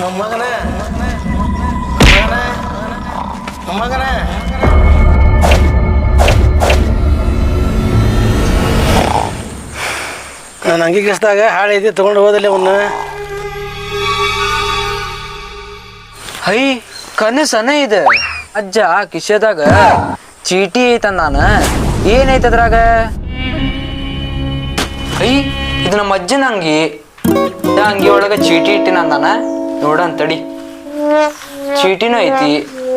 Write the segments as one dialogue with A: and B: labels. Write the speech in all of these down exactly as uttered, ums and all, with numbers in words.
A: ಮೊಮ್ಮಗನ ಮೊಮ್ಮಗನ ನಾನು ಅಂಗಿ ಕೆಸ್ದಾಗ ಹಾಳು ಐತಿ ತೊಗೊಂಡು ಹೋದಲ್ಲಿ ಅವನ್ನ.
B: ಹೈ ಕನಸನ ಇದೆ ಅಜ್ಜ ಕಿಶೆದಾಗ ಚೀಟಿ ಐತಂದ ನಾನು. ಏನೈತ ಅದ್ರಾಗ? ಐ ಇದು ನಮ್ಮ ಅಜ್ಜನ ಅಂಗಿ. ಅಂಗಿ ಒಳಗ ಚೀಟಿ ಇಟ್ಟಿನ ಅಂದಾನ. ನೋಡನ್ ತಡಿ, ಚೀಟಿನೂ ಐತಿ.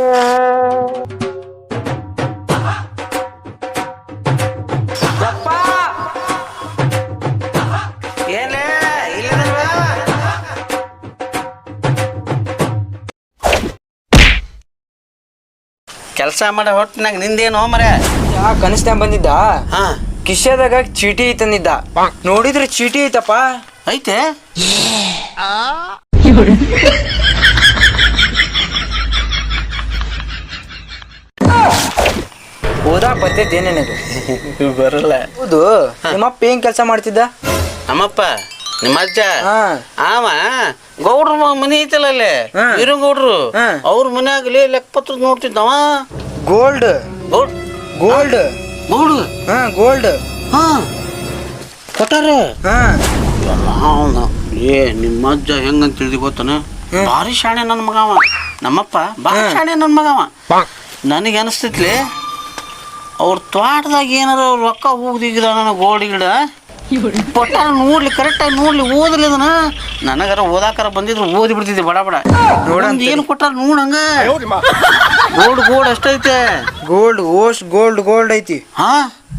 A: ಕೆಲಸ ಮಾಡೋ ಹೊಟ್ಟಿನಾಗ ನಿಂದೇನು ಮರ?
B: ಯಾ ಕನಸ್ನ್ಯಾಗ ಬಂದಿದ್ದ
A: ಹಾ
B: ಕಿಶೆದಾಗ ಚೀಟಿ ಐತಂದಿದ್ದ. ನೋಡಿದ್ರೆ ಚೀಟಿ ಐತಪ್ಪ.
A: ಐತೆ
B: ಓದಾಕ್ ಬರ್ತೈತಿ ಏನೇನದು?
A: ಬರಲ್ಲ.
B: ಹೌದು. ನಿಮ್ಮಪ್ಪ ಏನ್ ಕೆಲಸ ಮಾಡ್ತಿದ್ದ?
A: ನಮ್ಮಪ್ಪ ನಿಮ್ಮ ಅಜ್ಜ
B: ಹಾ
A: ಆವ ಗೌಡ್ರ ಮನಿ ಐತಲ್ಲ ಅಲ್ಲೇ ವೀರಂಗೌಡ್ರು ಅವ್ರ ಮನ್ಯಾಗಲಿ ಲೆಕ್ಕಪತ್ರ ನೋಡ್ತಿದ್ದವ.
B: ಗೋಲ್ಡ್
A: ಗೌಡ್
B: ಗೋಲ್ಡ್
A: ಗೌಡ್
B: ಹಾ ಗೋಲ್ಡ್
A: ಹಾ ಕೊಟ್ಟಾರ.
B: ಹಾ
A: ಅವನ ಏ ನಿಮ್ಮ ಅಜ್ಜ ಹೆಂಗಂತ ತಿಳಿದಿ ಗೊತ್ತನ? ಭಾರಿ ಶಾಣೆ ನನ್ನ ಮಗವ ನಮ್ಮಪ್ಪ. ಭಾರಿ ಶಾಣೆ ನನ್ನ ಮಗವ. ನನಗೆ ಅನಿಸ್ತೈತ್ಲಿ ಅವ್ರ ತೋಟದಾಗ ಏನಾರ ರೊಕ್ಕ ಹೋಗ್ದಿಗಿದ ನನ್ನ ಗೋಲ್ಡ್ ಗಿಡ ಪಟ್ಟ ನೋಡ್ಲಿ ಕರೆಕ್ಟಾಗಿ ನೋಡ್ಲಿ ಓದಲಿ ಅದನ್ನ. ನನಗಾರ ಓದಾಕಾರ ಬಂದಿದ್ರು ಓದಿ ಬಿಡ್ತಿದ್ದೆ ಬಡ ಬಡ. ನೋಡಂತ ಏನು ಕೊಟ್ಟಾರ ನೋಡಂಗ. ಗೋಲ್ಡ್ ಗೋಲ್ಡ್ ಅಷ್ಟೈತೆ.
B: ಗೋಲ್ಡ್ ಓಸ್ಟ್ ಗೋಲ್ಡ್ ಗೋಲ್ಡ್ ಐತಿ.
A: ಹಾ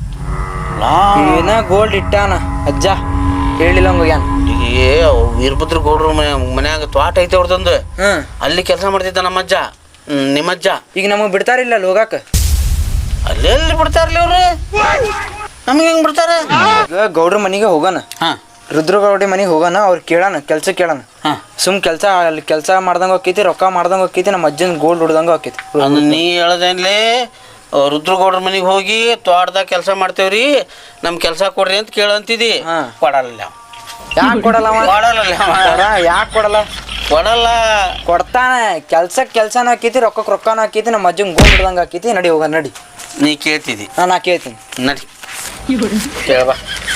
B: ಏನ ಗೋಲ್ಡ್ ಇಟ್ಟಾನ ಅಜ್ಜ ಹೇಳಿಲ್ಲ ಹೋಗ್ಯಾನ.
A: ಏ ವೀರಭದ್ರ ಗೌಡ್ರ ಮನೆ ಮನ್ಯಾಗ ತೋಟ ಐತೆ ಅವ್ರದೊಂದು. ಅಲ್ಲಿ ಕೆಲಸ ಮಾಡ್ತಿದ್ದ ನಮ್ಮಜ್ಜ ನಿಮ್ಮಜ್ಜ.
B: ಈಗ ನಮಗ್ ಬಿಡ್ತಾರಿಲ್ಲ ಅಲ್ಲಿ ಹೋಗಾಕ?
A: ಅಲ್ಲೆಲ್ಲಿ ಬಿಡ್ತಾರಲ್ಲ ಅವ್ರು? ನಮ್ಗೆ ಹೆಂಗ್ ಬಿಡ್ತಾರ?
B: ಈಗ ಗೌಡ್ರ ಮನಿಗೆ ಹೋಗೋಣ.
A: ಹಾ
B: ರುದ್ರಗೌಡಿ ಮನಿಗೆ ಹೋಗೋಣ. ಅವ್ರು ಕೇಳೋಣ, ಕೆಲ್ಸ ಕೇಳೋಣ. ಸುಮ್ ಕೆಲ್ಸ ಅಲ್ಲಿ ಕೆಲಸ ಮಾಡ್ದಂಗ ಹೋಕೈತಿ, ರೊಕ್ಕ ಮಾಡ್ದಂಗ ಹೋಕೈತಿ, ನಮ್ಮ ಅಜ್ಜನ ಗೋಲ್ಡ್ ಹೊಡ್ದಂಗ ಹೋಕೈತಿ.
A: ನೀ ಹೇಳದೇನ್ಲಿ ರುದ್ರಗೌಡ್ರ ಮನಿಗೆ ಹೋಗಿ ತೋಟದಾಗ ಕೆಲಸ ಮಾಡ್ತೇವ್ರಿ ನಮ್ ಕೆಲಸ ಕೊಡ್ರಿ ಅಂತ ಕೇಳಂತಿದಿ. ಕೊಡಲ್ಲ.
B: ಯಾಕೆ ಕೊಡಲ್ಲ?
A: ಕೊಡಲ್ಲ.
B: ಯಾಕೆ ಕೊಡಲ್ಲ?
A: ಕೊಡಲ್ಲ.
B: ಕೊಡ್ತಾನ. ಕೆಲ್ಸಕ್ಕೆ ಕೆಲ್ಸನೂ ಹಾಕೈತಿ, ರೊಕ್ಕಕ್ಕೆ ರೊಕ್ಕನೂ ಹಾಕೈತಿ, ನಮ್ಮ ಅಜ್ಜಂಗೆ ಗೋಲ್ಡ್ ಹೊಡ್ದಂಗ ಹಾಕೈತಿ. ನಡಿ ಹೋಗ ನಡಿ.
A: ನೀ ಕೇಳ್ತಿದಿ?
B: ನಾ ಕೇಳ್ತೀನಿ.
A: ನಡಿ ಕೇಳಬಾ.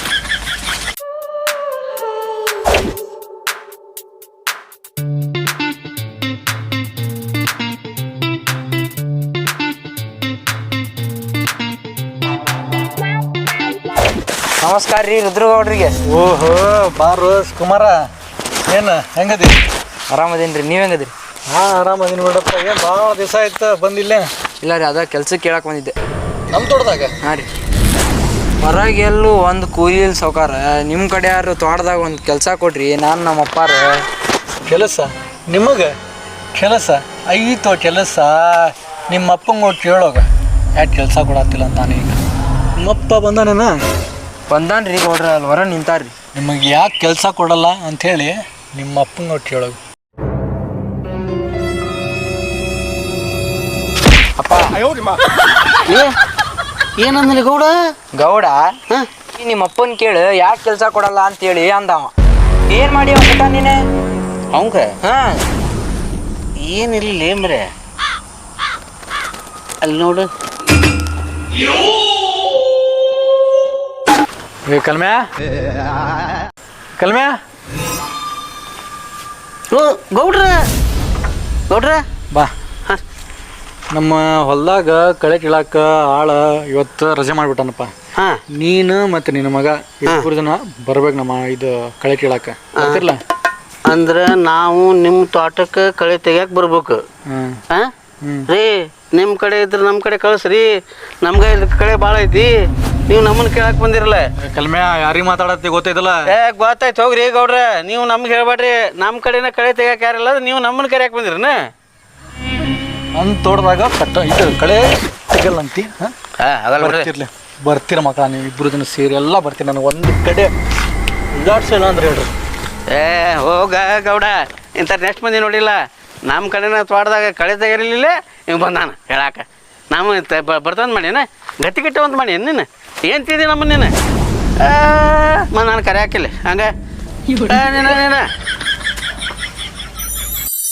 B: ನಮಸ್ಕಾರ ರೀ ರುದ್ರಗೌಡ್ರಿಗೆ.
C: ಓಹೋ ಬಾರು ಕುಮಾರ, ಏನು ಹೆಂಗದಿ?
B: ಆರಾಮದೇನು ರೀ, ನೀವು ಹೆಂಗದಿರಿ?
C: ಹಾಂ ಆರಾಮದೀನಿ ನೋಡಪ್ಪ. ಏನು ಭಾಳ ದಿವಸ ಆಯ್ತು ಬಂದಿಲ್ಲ.
B: ಇಲ್ಲ ರೀ, ಅದ ಕೆಲ್ಸಕ್ಕೆ ಕೇಳಕ್ಕೆ ಬಂದಿದ್ದೆ
C: ನಮ್ಮ ತೋಟದಾಗ.
B: ಹಾಂ ರೀ. ಹೊರಗೆ ಎಲ್ಲೂ ಒಂದು ಕೂಲಿ ಇಲ್ಲ ಸಾವ್ಕಾರ. ನಿಮ್ಮ ಕಡೆ ಯಾರು ತೋಟದಾಗ ಒಂದು ಕೆಲಸ ಕೊಡ್ರಿ. ನಾನು ನಮ್ಮ ಅಪ್ಪಾರ
C: ಕೆಲಸ ನಿಮಗೆ ಕೆಲಸ ಐತೋ ಕೆಲಸ. ನಿಮ್ಮ ಅಪ್ಪಂಗೆ ಹೋಗಿ ಕೇಳೋಗ ಯಾಕೆ ಕೆಲಸ ಕೊಡತ್ತಿಲ್ಲ ಅಂತಾನೆ. ಈಗ ನಿಮ್ಮಪ್ಪ ಬಂದಾನೇನ?
B: ಬಂದಾನ ರೀ ಗೌಡ್ರ, ಅಲ್ಲಿ ಹೊರ ನಿಂತಾರ್ರಿ.
C: ನಿಮಗೆ ಯಾಕೆ ಕೆಲಸ ಕೊಡಲ್ಲ ಅಂಥೇಳಿ ನಿಮ್ಮ ಅಪ್ಪಂಗೆ ಹೋಗಿ ಕೇಳೋಗ.
B: ಅಪ್ಪ
A: ಏನಂದ್ರಿ ಗೌಡ?
B: ಗೌಡ ನಿಮ್ಮ ಅಪ್ಪನ ಕೇಳು ಯಾಕೆ ಕೆಲಸ ಕೊಡಲ್ಲ ಅಂತೇಳಿ ಅಂದವ. ಏನು ಮಾಡಿ ಅವ್ನ ನೀನೆ
A: ಅವಂಗ?
B: ಹಾಂ
A: ಏನಿಲ್ಲ ಏಮ್ರೆ ಅಲ್ಲಿ ನೋಡು.
C: ಕಲ್ಮ್ಯಾ ಕಲ್ಮ್ಯಾ
A: ಓ ಗೌಡ್ರ ಗೌಡ್ರ
C: ಬಾ. ನಮ್ಮ ಹೊಲದಾಗ ಕಳೆ ಕೀಳಾಕ ಆಳ ಇವತ್ತು ರಜೆ ಮಾಡಿಬಿಟ್ಟನಪ್ಪ.
A: ಹಾಂ
C: ನೀನು ಮತ್ತು ನಿನ್ನ ಮಗ ಇಬ್ಬರು ಜನ ಬರ್ಬೇಕು ನಮ್ಮ ಇದು ಕಳೆ ಕೀಳಾಕ. ಗೊತ್ತಿಲ್ಲ
A: ಅಂದ್ರೆ ನಾವು ನಿಮ್ಮ ತೋಟಕ್ಕೆ ಕಳೆ ತೆಗಿಯಕ್ಕೆ ಬರ್ಬೇಕು. ಹಾಂ ರೀ, ನಿಮ್ಮ ಕಡೆ ಇದ್ರೆ ನಮ್ಮ ಕಡೆ ಕಳಿಸ್ರಿ. ನಮ್ಗೆ ಇಲ್ಲಿ ಕಳೆ ಭಾಳ ಐತಿ, ನೀವು ನಮ್ಮನ್ನು ಕೇಳಕ್ಕೆ ಬಂದಿರಲ್ಲ.
C: ಕಲ್ಮ್ಯಾ ಯಾರಿಗೆ ಮಾತಾಡತ್ತಿ ಗೊತ್ತೈತಲ್ಲ?
A: ಏ ಗೊತ್ತಾಯ್ತು ಹೋಗ್ರಿ ಗೌಡ್ರ. ನೀವು ನಮ್ಗೆ ಹೇಳ್ಬೇಡ್ರಿ. ನಮ್ಮ ಕಡೆನ ಕಳೆ ತೆಗಿಯಕ್ಕೆ ಯಾರಿಲ್ಲ, ನೀವು ನಮ್ಮನ್ನು ಕರೆಯಕ್ಕೆ ಬಂದಿರನ?
C: ನನ್ನ ತೋಟದಾಗ ಕಟ್ಟ ಇದು ಕಳೆ ತೆಗಲ್ಲ ಅಂತಿ. ಹಾಂ
A: ಅದಲ್ಲ
C: ಬರ್ತಿರ್ಲಿ ಬರ್ತೀರ ಮಕ್ಕಳ, ನೀವು ಇಬ್ಬರು ಜನ ಸೇರಿ ಎಲ್ಲ ಬರ್ತೀರಿ. ನನಗೆ ಒಂದು ಕಡೆ ಇದಾಡ್ಸಿಲ್ಲ ಅಂದ್ರೆ ಹೇಳ್ರಿ.
A: ಏ ಹೋಗ ಗೌಡ, ಇಂಥ ನೆಕ್ಸ್ಟ್ ಮಂದಿ ನೋಡಿಲ್ಲ. ನಮ್ಮ ಕಡೆನ ತೋಟದಾಗ ಕಳೆ ತೆಗಿರಲಿಲ್ಲ, ನೀವು ಬಂದಾನ ಹೇಳಾಕ. ನಾವು ಬರ್ತಂದು ಮಾಡೀನ ಗತಿ ಗಿಟ್ಟ ಅಂತ ಮಾಡಿ ನೀನು ಏನು ತಿದ್ದಿ ನಮ್ಮ ನೀನು ಮ ನಾನು ಕರೆ ಹಾಕಿಲ್ಲ ಹಂಗೆ ನೀನು ನೀನು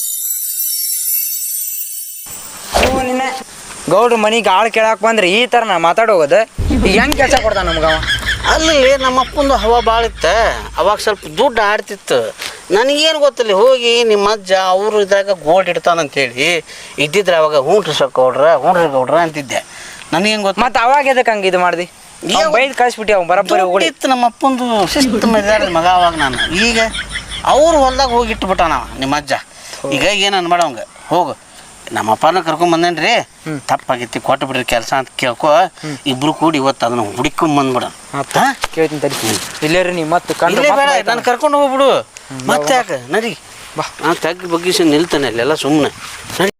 B: ಗೌಡ್ರ ಮನಿಗೆ ಆಳು ಕೇಳಾಕ್ ಬಂದ್ರೆ ಈ ಥರ ನಾ ಮಾತಾಡೋಗೋದು ಈಗ ಹೆಂಗೆ ಕೆಲಸ ಕೊಡ್ತಾನ ನಮ್ಗವ
A: ಅಲ್ಲಿ ನಮ್ಮ ಅಪ್ಪಂದು ಹವಾ ಭಾಳ ಇತ್ತು ಅವಾಗ ಸ್ವಲ್ಪ ದುಡ್ಡು ಆಡ್ತಿತ್ತು ನನಗೇನು ಗೊತ್ತಿಲ್ಲ ಹೋಗಿ ನಿಮ್ಮ ಅಜ್ಜ ಅವರು ಇದ್ರಾಗ ಗೋಲ್ಡ್ ಇಡ್ತಾನಂತೇಳಿ ಇದ್ದಿದ್ರೆ ಅವಾಗ ಹ್ಞೂ ಸರ್ ಗೌಡ್ರ ಹ್ಞೂ ಗೌಡ್ರ ಅಂತಿದ್ದೆ ನನಗೇನು ಗೊತ್ತು
B: ಮತ್ತೆ ಅವಾಗ ಎದಕ್ಕೆ ಹಂಗೆ ಇದು ಮಾಡ್ದಿ ಬೈದು ಕಳಿಸ್ಬಿಟ್ಟಿ ಅವ್ನು ಬರಬ್ಬರಿ ಹೋಗಿ
A: ಇತ್ತು ನಮ್ಮ ಅಪ್ಪಂದು ಶಿಸ್ತು ಮರ್ಯಾದ ಮಗ ಅವಾಗ ನಾನು ಈಗ ಅವ್ರು ಹೊಲ್ದಾಗ ಹೋಗಿ ಇಟ್ಬಿಟ್ಟ ನಾವು ನಿಮ್ಮ ಅಜ್ಜ ಈಗ ಏನು ಅನ್ಬೇಡ ಅವಂಗ ಹೋಗು ನಮ್ಮ ಅಪ್ಪನ ಕರ್ಕೊಂಡ್ ಬಂದೇನ್ರಿ ತಪ್ಪಾಗಿತ್ತು ಕೊಟ್ಟು ಬಿಡ್ರಿ ಕೆಲಸ ಅಂತ ಕೇಳ್ಕೊ ಇಬ್ರು ಕೂಡಿ ಇವತ್ತು ಅದನ್ನ ಹುಡುಕೊಂಡ್ ಬಂದ್ಬಿಡ
B: ಕೇಳ್ತೀನಿ ತಡಿ ಇಲ್ಲೇ ರೀ ನೀವು ಮತ್ತೆ ಕಂಡು
A: ಇಲ್ಲೇ ಬೇಡ ನಾನು ಕರ್ಕೊಂಡು ಹೋಗ್ಬಿಡು ಮತ್ತೆ ಯಾಕೆ ನಡಿ ಬಾ ನಾನು ತಗ್ಗಿ ಬಗ್ಗಿಸಿ ನಿಲ್ತಾನೆ ಅಲ್ಲೆಲ್ಲ ಸುಮ್ಮನೆ ನಡಿ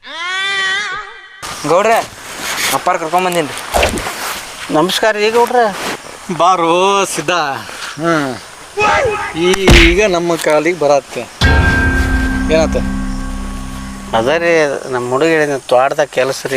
B: ಗೌಡ್ರೆ ಅಪ್ಪಾರ ಕರ್ಕೊಂಡ್ ಬಂದೀನಿ ರೀ
A: ನಮಸ್ಕಾರ ರೀ ಗೌಡ್ರೆ
C: ಬಾರೋ ಸಿದ್ಧ ಹ್ಞೂ ಈಗ ನಮ್ಮ ಕಾಲಿಗೆ ಬರತ್ತೆ ಏನಾತ
A: ಅದ ರೀ ನಮ್ಮ ಹುಡುಗ ಹೇಳಿದ ತೋಟದಾಗ ಕೆಲಸ ರೀ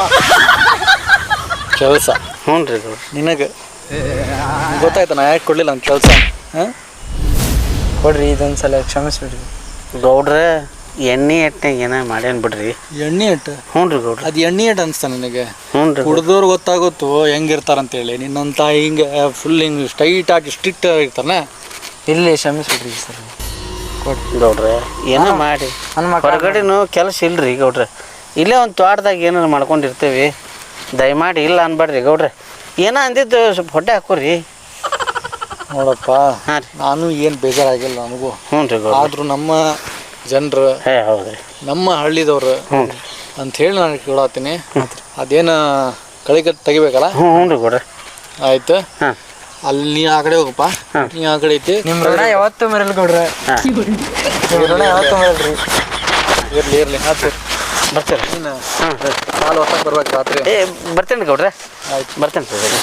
C: ಕೆಲಸ
A: ಹ್ಞೂ ರೀ ಗೌಡ್ರ
C: ನಿನಗೆ ಗೊತ್ತಾಯ್ತು ನಾ ಯಾಕೆ ಕೊಡಲಿಲ್ಲ ನನ್ನ ಕೆಲಸ ಹಾಂ
B: ಕೊಡ್ರಿ ಇದೊಂದು ಸಲ ಕ್ಷಮಿಸ್ಬಿಡ್ರಿ
A: ಗೌಡ್ರೆ ಎಣ್ಣೆ ಎಟ್ಟೆ ಏನೋ ಮಾಡ್ಯಾನ ಬಿಡ್ರಿ
C: ಎಣ್ಣೆ ಇಟ್ಟು
A: ಹ್ಞೂ ರೀ ಗೌಡ್ರ
C: ಅದು ಎಣ್ಣೆ ಇಟ್ಟು ಅನಿಸ್ತಾ ನನಗೆ
A: ಹ್ಞೂ ರೀ
C: ಕುಡ್ದವ್ರು ಗೊತ್ತಾಗುತ್ತೋ ಹೆಂಗಿರ್ತಾರಂತೇಳಿ ನಿನ್ನಂತ ಹಿಂಗೆ ಫುಲ್ ಹಿಂಗೆ ಸ್ಟ್ರೈಟ್ ಆಗಿ ಸ್ಟ್ರಿಕ್ಟ್ ಆಗಿರ್ತಾನೆ
B: ಇಲ್ಲಿ ಕ್ಷಮಿಸ್ಬಿಡ್ರಿ ಸರ್
A: ಗೌಡ್ರೆ ಏನೋ ಮಾಡಿ
B: ನನ್ನ ಮಕ್ಕಳು
A: ಹೊರಗಡೆನೂ ಕೆಲಸ ಇಲ್ರಿ ಗೌಡ್ರೆ ಇಲ್ಲೇ ಒಂದು ತೋಟದಾಗ ಏನಾರು ಮಾಡ್ಕೊಂಡಿರ್ತೀವಿ ದಯಮಾಡಿ ಇಲ್ಲ ಅನ್ಬೇಡ್ರಿ ಗೌಡ್ರೆ ಏನೋ ಅಂದಿದ್ದು ಸ್ವಲ್ಪ ಹೊಟ್ಟೆ ಹಾಕೋರಿ
C: ನೋಡಪ್ಪ
A: ಹಾಂ ರೀ
C: ನಾನು ಏನು ಬೇಜಾರಾಗಿಲ್ಲ ನನಗೂ
A: ಹ್ಞೂ ರೀ ಗೌಡ್ರೆ
C: ಆದರೂ ನಮ್ಮ ಜನರು
A: ಹೇ ಹೌದ್ರಿ
C: ನಮ್ಮ ಹಳ್ಳಿದವ್ರು
A: ಹ್ಞೂ ರೀ
C: ಅಂಥೇಳಿ ನಾನು ಕೇಳತ್ತೀನಿ ಅದೇನು ಕಳಿಗೆ ತೆಗಿಬೇಕಲ್ಲ
A: ಹ್ಞೂ ಹ್ಞೂ ರೀ ಗೌಡ್ರೆ
C: ಆಯ್ತು
A: ಹಾಂ
C: ಅಲ್ಲಿ ನೀ ಆ ಕಡೆ ಹೋಗಪ್ಪ ನೀ ಆ ಕಡೆ ಐತಿ
B: ನಿಮ್ಮ ಋಣ ಯಾವತ್ತೂ ಮರಲ್ ಗೌಡ್ರೆ
A: ಹಾಂ
B: ನಿಮ್ಮ ಋಣ ಯಾವತ್ತೂ ಮರಲ್ರಿ
C: ಇರಲಿ ಇರಲಿ ಆಯ್ತು
A: ಬರ್ತೀರಿ
C: ನೀನು
A: ಹಾಂ
C: ಕಾಲು ಹೊತ್ತಾಗ ಬರ್ಬೇಕು ರಾತ್ರಿ
A: ಏ ಬರ್ತೇನೆ ಗೌಡ್ರೆ
C: ಆಯ್ತು
A: ಬರ್ತೇನೆ ಸರ್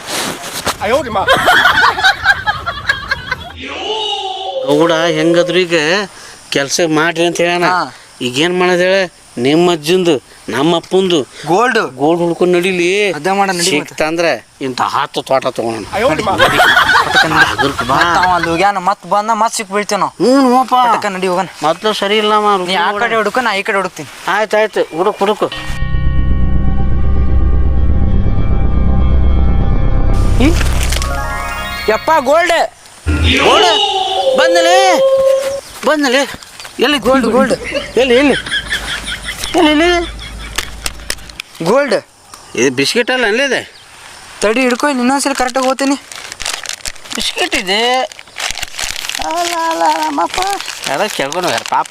A: ಗೌಡ ಹೆಂಗದ್ರು ಈಗ ಕೆಲಸ ಮಾಡ್ರಿ ಅಂತ ಹೇಳೋಣ ಈಗೇನು ಮಾಡೋದು ಹೇಳ ನಿಮ್ಮ ಅಜ್ಜಂದು ನಮ್ಮ ಅಪ್ಪಂದು
B: ಗೋಲ್ಡ್
A: ಗೋಲ್ಡ್ ಹುಡ್ಕೊಂಡು ನಡಿಲಿ
B: ಅದ ಮಾಡ ನಡಿ
A: ಸಿಕ್ತಂದ್ರೆ ಇಂಥ ಹತ್ತು ತೋಟ ತಗೋಣ
B: ಅಲ್ಲಿ ಹೋಗ್ಯಾನ ಮತ್ತೆ ಬಂದ ಮತ್ತೆ ಸಿಕ್ ಬೀಳ್ತೇವೆ ನಾವು
A: ಹ್ಞೂ ನೋಪ
B: ಅದಕ್ಕೆ ನಡಿ ಹೋಗೋಣ
A: ಮೊದಲು ಸರಿ ಇಲ್ಲ
B: ನೀ ಆ ಕಡೆ ಹುಡುಕ ನಾ ಈ ಕಡೆ ಹುಡುಕ್ತೀನಿ
A: ಆಯ್ತು ಆಯ್ತು ಹುಡುಕ್ ಹುಡುಕು
B: ಯಪ್ಪ ಗೋಲ್ಡ್
A: ಗೋಲ್ಡ್ ಬಂದಲೇ ಬಂದಲೇ ಎಲ್ಲಿ
B: ಗೋಲ್ಡ್ ಗೋಲ್ಡ್
A: ಎಲ್ಲಿ ಎಲ್ಲಿ ಎಲ್ಲಿ ಎಲ್ಲಿ
B: ಗೋಲ್ಡ್
A: ಇದು ಬಿಸ್ಕೆಟ್ ಅಲ್ಲ ಅಲ್ಲಿದೆ
B: ತಡಿ ಹಿಡ್ಕೊ ಇಲ್ಲಿ ಇನ್ನೊಂದ್ಸಲ ಕರೆಕ್ಟಾಗಿ ಹೋಗ್ತೀನಿ
A: ಬಿಸ್ಕೆಟ್ ಇದೆ ಅಲ್ಲ ಅಲ್ಲ ನಮ್ಮಪ್ಪ ಯಾರೋ ಕೇಳ್ಕೊಂಡು ಹೋಗ್ಯಾರ ಪಾಪ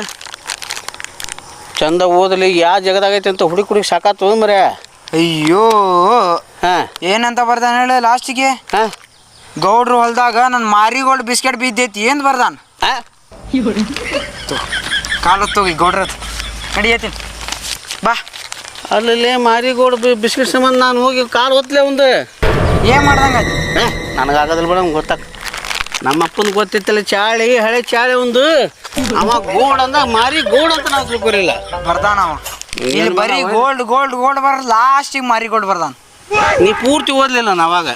A: ಚಂದ ಓದಲಿ ಯಾವ ಜಗದಾಗೈತೆ ಅಂತ ಹುಡುಗಿ ಹುಡುಗಿ ಸಾಕಾತು ಮರೆ
B: ಅಯ್ಯೋ
A: ಹಾಂ
B: ಏನಂತ ಬರ್ದಾನ ಹೇಳ ಲಾಸ್ಟಿಗೆ
A: ಹಾಂ
B: ಗೌಡ್ರು ಹೊಲ್ದಾಗ ನನ್ನ ಮಾರಿಗೋಲ್ಡ್ ಬಿಸ್ಕೆಟ್ ಬಿದ್ದೈತಿ ಏನು ಬರ್ದಾನ
A: ಹಾಂ
B: ಕಾಲತ್ತು ಹೋಗಿ ಗೌಡ್ರದ್ ನಡಿಯತ್ತೀನಿ ಬಾ
A: ಅಲ್ಲಿ ಮಾರಿಗೋಡು ಬಿಸ್ಕೆಟ್ ಸಂಬಂಧ ನಾನು ಹೋಗಿ ಕಾಲು ಹೊತ್ತಲೇ ಒಂದು
B: ಏನು ಮಾಡ್ದಂಗೆ
A: ಏ ನನಗಾಗೋದಿಲ್ಲ ಬೇಡ ಗೊತ್ತಾಗ ನಮ್ಮ ಅಪ್ಪನ ಗೊತ್ತಿತ್ತಲ್ಲ ಚಾಳಿ ಹಳೆ ಚಾಳಿ ಒಂದು ಅವ ಗೋಡ್ ಅಂದ ಮಾರಿ ಗೋಡ್ ಅಂತ ನಾವು ತಿಳ್ಕೊರಿಲ್ಲ
B: ಬರ್ದಾನ ಅವ ಇಲ್ಲಿ ಬರೀ ಗೋಲ್ಡ್ ಗೋಲ್ಡ್ ಗೋಲ್ಡ್ ಬರ ಲಾಸ್ಟಿಗೆ ಮಾರಿಗೋಲ್ಡ್ ಬರ್ದಾನ
A: ನೀ ಪೂರ್ತಿ ಓದಲಿಲ್ಲ ನಾವಾಗ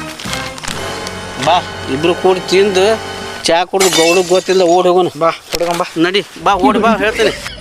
A: ಬಾ ಇಬ್ರು ಕೂಡಿ ತಿಂದು ಚಾ ಕುಡಿದು ಗೌಡಗೆ ಗೊತ್ತಿಲ್ಲ ಓಡಿ ಹೋಗೋಣ
B: ಬಾ ಹುಡುಗಂಬ
A: ನಡಿ ಬಾ ಓಡಿ ಬಾ ಹೇಳ್ತೇನೆ